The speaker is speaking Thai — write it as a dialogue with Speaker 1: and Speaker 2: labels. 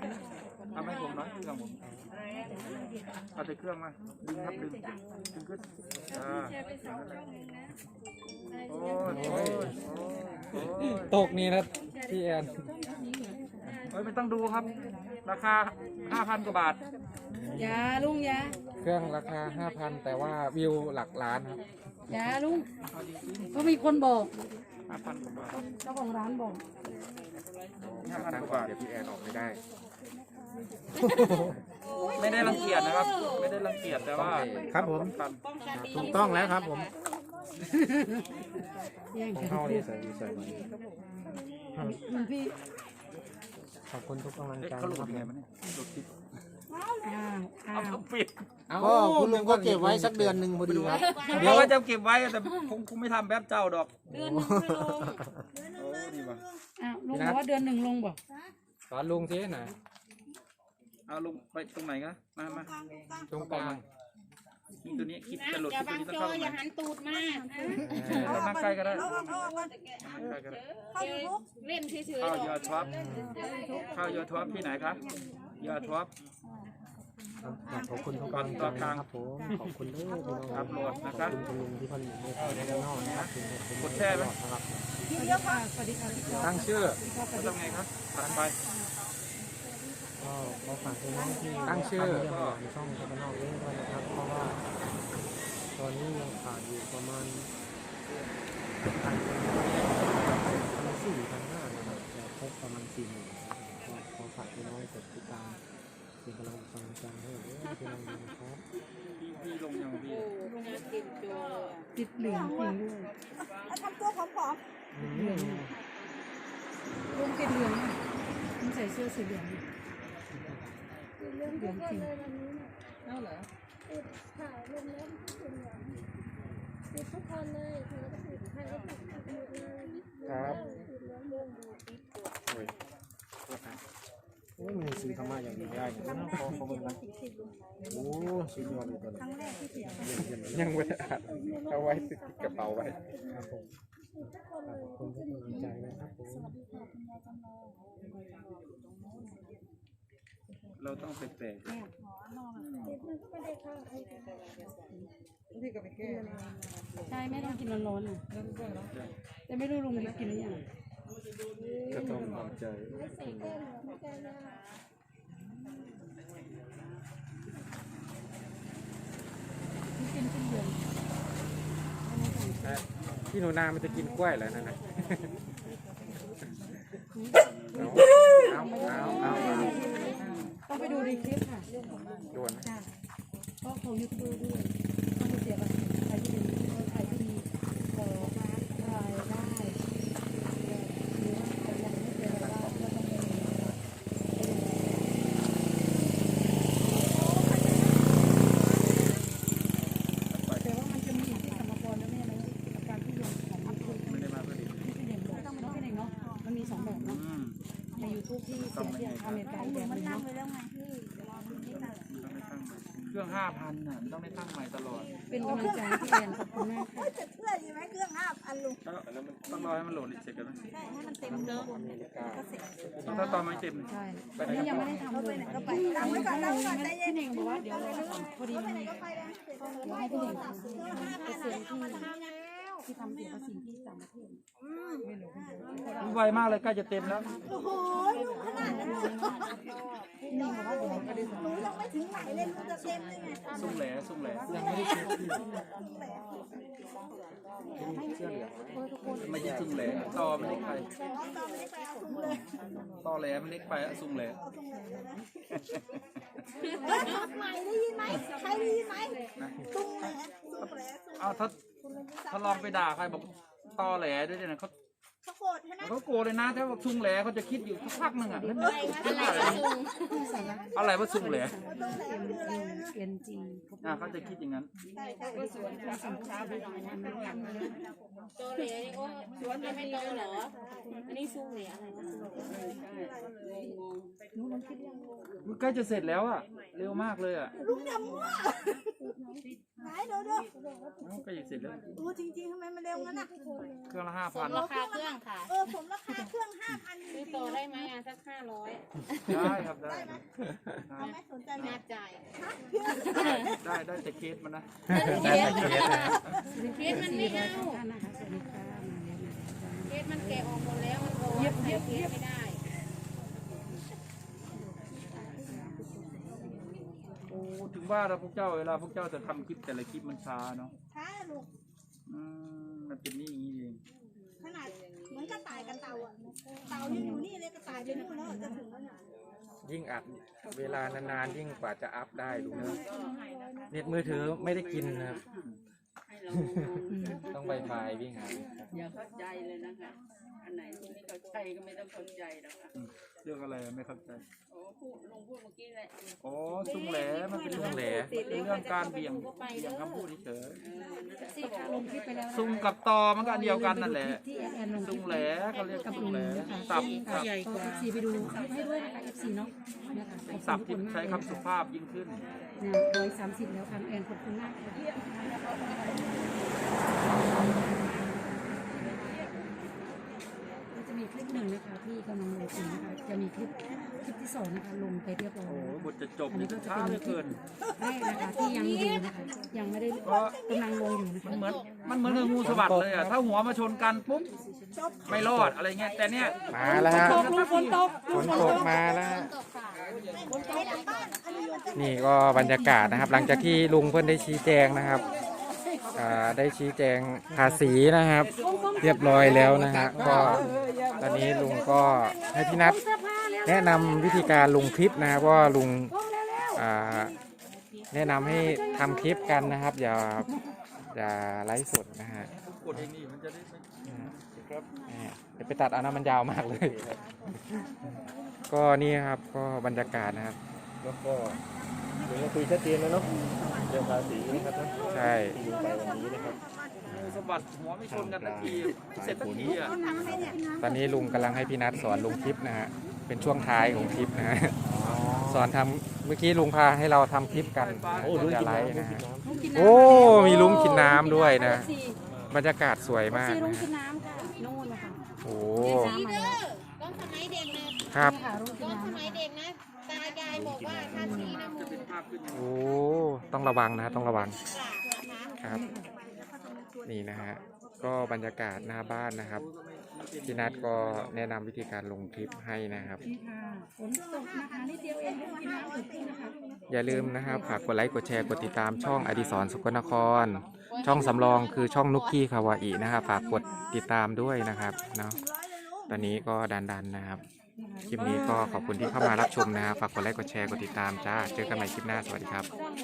Speaker 1: ทำให้ผมหน่อยเครื่องผมเอาแต่เครื่องมาดึงครับดึงขึ้นโอ้ย
Speaker 2: ตกนี่นะพี่แอน
Speaker 1: ไม่ต้องดูครับราคา 5,000 กว่าบาท
Speaker 3: ยาลุงยา
Speaker 2: เครื่องราคา 5,000 แต่ว่าวิวหลักล้านครับ
Speaker 3: ยาลุงก็มีคนบอก
Speaker 1: 5,000 กว่าบาท
Speaker 3: เจ้าของร้านบอก
Speaker 1: 5,000 กว่าบาท
Speaker 2: เดี๋ยวพี่แอนออกไม่ได้
Speaker 1: ไม่ได้รังเกียจนะครับไม่ได้รังเกียจแต่ว่า
Speaker 2: ครับผมถูกต้องแล้วครับผมของเข้านี่ใส่
Speaker 3: พี่
Speaker 2: ขอบคุณทุกกำลังใจ
Speaker 1: เขาหลุด
Speaker 2: ครับ
Speaker 1: ไงมันเนี่ยหลุดติด
Speaker 3: อ้าว
Speaker 1: เอาปิด
Speaker 2: ก็คุณลุงก็เก็บไว้สักเดือนหนึ่งพอดีครับ
Speaker 1: เดี๋ยวว่าจะเก็บไว้แต่คงไม่ทำแบบเจ้าดอก
Speaker 3: เดือนหนึ่งลงลุงบอกว่าเดือนหนึ่งลงบอก
Speaker 2: สอนลุงสิหน่อย
Speaker 1: เอาลงไปตรงไหนกันมา
Speaker 2: ตรงกลาง
Speaker 1: ตัวนี้คิดจะหลุดตัวนี้ต้องเข้าอย่าหันตูดมาก
Speaker 3: เ
Speaker 1: อาใกล้ก็ได้
Speaker 3: เล่นเฉยๆ
Speaker 1: เข้ายอดท็อปเข้ายอดท็อปที่ไหนครับยอดท็อป
Speaker 2: ขอบคุณทุกคนต่อกลางครับผมขอบคุณด้วยพี่น้อง
Speaker 1: ครับโหลดนะครับ
Speaker 2: คุณลุงที่ผลิตในข้าวในนอกนะครับ
Speaker 1: กดแช่ไหม
Speaker 3: สวัสดีค่ะ
Speaker 2: ตั้งชื่อ
Speaker 1: ทำไงครับตัดไป
Speaker 2: ก็ขอฝากน้องที่ตั้งชื่อในช่องในนอกเล่นด้วยนะครับเพราะว่าตอนนี้ยังขาดอยู่ประมาณ1,400-1,500นะครับจะครบประมาณ40,000ก็ขอฝากน้องกดติดตามเป็นกำลังใจให้พี่น้องนะครับ
Speaker 1: พี่ลงยังพี่
Speaker 3: ติดเหลืองจริงด้วย
Speaker 4: ทำตัวผอม
Speaker 3: ๆเหลืองลุงติดเหลืองลุงใส่เสื้อสีเหลืองเหลืองจริงเอาเหรอ
Speaker 4: ติดถ่ายลงแล้วติดเหลืองติดทุกคนเลยเธอก็ติดใครก็ติดหมดเลย
Speaker 2: ครับ
Speaker 4: ติดเหลืองเรื่องดูติด
Speaker 2: โอ้ยมันซื้อธรรมะอย่างนี้ได้นะพอเขาเป็นนะโอ้สุดยอดเลยตอนนี้ยังไม่ได้อัดเอาไว้ติดกระเป๋าไว้ครับผมขอบคุณทุกกำลังใจนะครับผม
Speaker 1: เราต้องแปลก
Speaker 3: ใช่ไม่ต้องกินร้อนๆนะแต่ไม่รู้ลุงกินหรือยัง
Speaker 2: ก็ต้องทำใจพี่หนูนามันจะกินกล้วยเหรอนั่นนะ
Speaker 3: ต้องไปดูในคลิปค่ะ
Speaker 2: ด่วนนะ
Speaker 3: ก็ของยูทูบด้วยต้องไปเสียภาษีใครที่มีใครที่มีรายได้หรือว่าใครยังไม่เจอรายได้ก็ต้องไปแต่ว่ามันจะมีที่สมรภูมิแล้วไม่ใช่ไหมการที่ลงของยูทูบ
Speaker 1: ไม่ได้มาเพื่อดี
Speaker 3: ไม่ใช่เด่นบอกต้องเป็นเด่นเนาะมันมี2แบบเนาะในยูทูบที่เสียที่อเมริกาแบบนึงเนาะ
Speaker 1: เครื่อง 5,000 น่ะต้องได้ตั้งใหม่ตลอด
Speaker 3: เป็นกำลังใจที่แอนขอบคุณมากค่ะ
Speaker 4: จะเชื่ออยู่ไหมเครื่อง5,000ลุง
Speaker 1: ต้องรอให้มันโหลดอีกเสร็จกันไหม
Speaker 4: ใช่ให้มันเต็มเนอะ
Speaker 1: ถ้าตอนไม่เต็ม
Speaker 3: ใช่นี่ยังไม่ได้ทำเลย
Speaker 4: ก็ไปตั้งไว้ก่อนตั้งไว้ก่อนใจเย็น
Speaker 3: พี่เน่งบอกว่าเดี๋ยวพอดีมันให้พี่เน่งทำเกษตรที่ทำเกี่ยวกับสิ่งที่ต่างประเทศ
Speaker 1: ไวมากเลยใกล้จะเต็มแล้ว
Speaker 4: โอ้โหลุงขนาดนั้นเลย
Speaker 3: พี่เน่งบอกว่าเดี๋ยวก็ได้
Speaker 4: ลุงยังไม่ถึงไหนเลยลุงจะเต็มเลยไง
Speaker 1: สุ่มแหล่
Speaker 2: ยังไม่ได้เช็คที่
Speaker 1: ไม่ใช่สุ่มแหล่ต่อมันเล็กไปต่อแหล่มันเล็กไปสุ่มแหล่
Speaker 4: ใหม่ได้ยินไหมใครได้ยินไหมสุ่มแหล่
Speaker 1: เอาถ้าลองไปด่าใครบอกต่อแหล่ด้วยเนี่ยเขา
Speaker 4: โกรธใช่ไหม
Speaker 1: เขาโกรธเลยนะถ้าบอกซุ่มแหล่เขาจะคิดอยู่สักพักหนึ่งอ่ะอะไรว่าซุ่มแหล่เขาจะคิดอย่างนั้น
Speaker 3: โตเหล่นี่ก็ชวนไม่โตเหรออันนี้ซุ่มเหล่อะไรนะ
Speaker 1: ใกล้จะเสร็จแล้วอ่ะเร็วมากเลยอ่ะ
Speaker 4: ลุงอย่ามั่ว
Speaker 5: ไหนดูดู
Speaker 1: ก็ยังเสร็จแล้ว
Speaker 5: ดูจริงๆทำไมมันเร็วงั้นอ่ะ
Speaker 1: เครื่องละ
Speaker 6: ราคาเครื่องค่ะ
Speaker 5: ผมราคาเครื่อง5,000จ
Speaker 6: ซื้
Speaker 5: ริ
Speaker 6: อง ต่อได้ไหมอ่ะสัก500
Speaker 1: 5,000ได้ครับได้
Speaker 5: เอาไหมสนใจไหม
Speaker 6: น่าจ่าย
Speaker 1: ได้แต่เคสมันนะ
Speaker 6: เคสมันไม่เอาเคสมันแกะออกหมดแล้วมันโอ้ใส่เคสไม่ได้
Speaker 1: โอ้ถึงว่าแล้วพวกเจ้าเวลาพวกเจ้าจะทำคลิปแต่ละคลิปมันช้าเนาะ
Speaker 5: ช้าลูก
Speaker 1: มันเป็นนี่อย่างนี้เอง
Speaker 5: ขนาดเหมือนกระต่ายกับเต่าอ่ะเต่ายังอยู่นี่เลยกระต่ายไปนู่นแล้วจะถึงแล้วเนี่ย
Speaker 2: ยิ่งอัดเวลานานๆยิ่งกว่าจะอัพได้ดูนะเน็ตมือถือไม่ได้กินนะครับ ต้องไวไฟวิ่งหา
Speaker 7: อย่าเข้าใจเลยนะคะอันไหนที่ไม่เข้าใจก็ไม่ต้องเข้าใจหรอกค่ะ
Speaker 1: เรื่องอะไรไม่เข้าใจ
Speaker 7: โอ้ลุงพูดเมื่อกี้แหละ
Speaker 1: อ๋อซุ้งแหลมันเป็นเรื่องเป็นเรื่องการเบี่ยงคำพูดเฉย
Speaker 3: ลงคลิปไปแล้ว
Speaker 1: ซุ้งกับตอมันก็อันเดียวกันนั่นแหละ
Speaker 3: ที่แอนลงคลิ
Speaker 1: ซุ้
Speaker 3: ป
Speaker 1: งแหลเขาเรียก
Speaker 3: กับ
Speaker 1: ซุ้
Speaker 3: ลุ
Speaker 1: ง
Speaker 3: ง
Speaker 1: แหล
Speaker 3: นะคะ
Speaker 1: สับ
Speaker 3: ก็เอฟซีไปดูคลิปให้ด้วยนะคะเอฟซีเนาะนะคะ
Speaker 1: สับที่ใช้คำสุภาพยิ่งขึ้น
Speaker 3: 130แล้วค่ะแอนขอบคุณมากจะมีคลิปหนึ่งนะคะที่กำลังลงอยู่นะคะจะมีคลิปที่สองนะคะลงไปเรียบร้อย
Speaker 1: โอ้
Speaker 3: แล้ว
Speaker 1: บทจะจบนี่ก็ช้าเหลือเกิน
Speaker 3: แรกนะคะที่ยังอยู่นะคะยังไม่ได้
Speaker 1: เพราะ
Speaker 3: กำลังลงอยู่นะคะ
Speaker 1: มันเหมือนกับงูสวัสดเลยอ่ะถ้าหัวมาชนกันปุ๊บไม่รอดอะไรเงี้ยแต่เนี้ย
Speaker 2: มาแล้วฮะ
Speaker 3: ฝนตก
Speaker 2: ฝนตกมาแล้วฮะ
Speaker 5: ใช้หลังบ้านอันนี้มันจะ
Speaker 2: นี่ก็บรรยากาศนะครับ หลังจากที่ลุงเพื่อนได้ชี้แจงนะครับได้ชี้แจงภาษีนะครับ เรียบร้อยแล้วนะฮะก็ตอนนี้ลุงก็ให้พี่นัทแนะนำวิธีการลงคลิปนะครับว่าลุงแนะนำให้ทำคลิปกันนะครับ อย่าไลฟ์สดนะฮะ
Speaker 1: กดเองนี่มันจะได้ไม่ครับ
Speaker 2: เดี๋ยวไปตัดเอานะมันยาวมากเลย ก็นี่ครับก็บรรยากาศนะครับ
Speaker 8: แล้วก็เดี๋ยวเราคุยชัดเจนแล้วเนาะเรื่องภาษีนะครับนะ
Speaker 2: ใช่
Speaker 8: ที่ลงไปวันนี้นะครับ
Speaker 1: งูสวัสดหัวไม่ชนกันทันทีเสร็จทันทีอ่ะ
Speaker 2: ตอนนี้ลุงกำลังให้พี่นัทสอนลงคลิปนะฮะเป็นช่วงท้ายของคลิปนะฮะสอนทำเมื่อกี้ลุงพาให้เราทำคลิปกัน
Speaker 8: โอ้ลุง
Speaker 2: จะ
Speaker 8: กิน
Speaker 2: ไล
Speaker 8: น้ำ
Speaker 2: ฟ์
Speaker 8: ลุง
Speaker 2: นะ
Speaker 8: กิน
Speaker 2: ฮะ
Speaker 8: น้ำ
Speaker 2: โอ้มีลุงกินน้ำด้วยนะ บรรยากาศสวยมาก
Speaker 3: ซีรุ้ง
Speaker 2: นะ
Speaker 3: กิ
Speaker 2: ฮะ
Speaker 3: นน้ำค่ะนู่นนะคะ
Speaker 2: โอ้
Speaker 6: สีเด้อตอนสมัยเด็กนะครับ
Speaker 3: ค่ะรุ้งกิ
Speaker 6: ต
Speaker 3: น
Speaker 6: อนส
Speaker 3: น้ำ
Speaker 6: มัยเด็กนะตายายบอกว่าถ้าสีน้ำมู
Speaker 1: จะเป็นภาพขึ้น
Speaker 2: โอ้ต้องระวังนะต้องระวัง
Speaker 6: กราบนะคะ
Speaker 2: ครับ นี่นะฮะก็บรรยากาศหน้าบ้านนะครับพี่นัทก็แนะนำวิธีการลงคลิปให้นะครับ
Speaker 3: นี่ค่ะฝนตกนะคะนิดเดียวเองรุ้งกินน้ำถึงนะคะ
Speaker 2: อย่าลืมนะครับฝากกดไลค์กดแชร์กดติดตามช่องอดิศรสกลนคร ช่องสำรองคือช่องนุกกี้คาวาอินะครับฝากกดติดตามด้วยนะครับเนาะตอนนี้ก็ดันๆนะครับคลิปนี้ก็ขอบคุณที่เข้ามารับชมนะครับฝากกดไลค์กดแชร์กดติดตามจ้าเจอกันใหม่คลิปหน้าสวัสดีครับ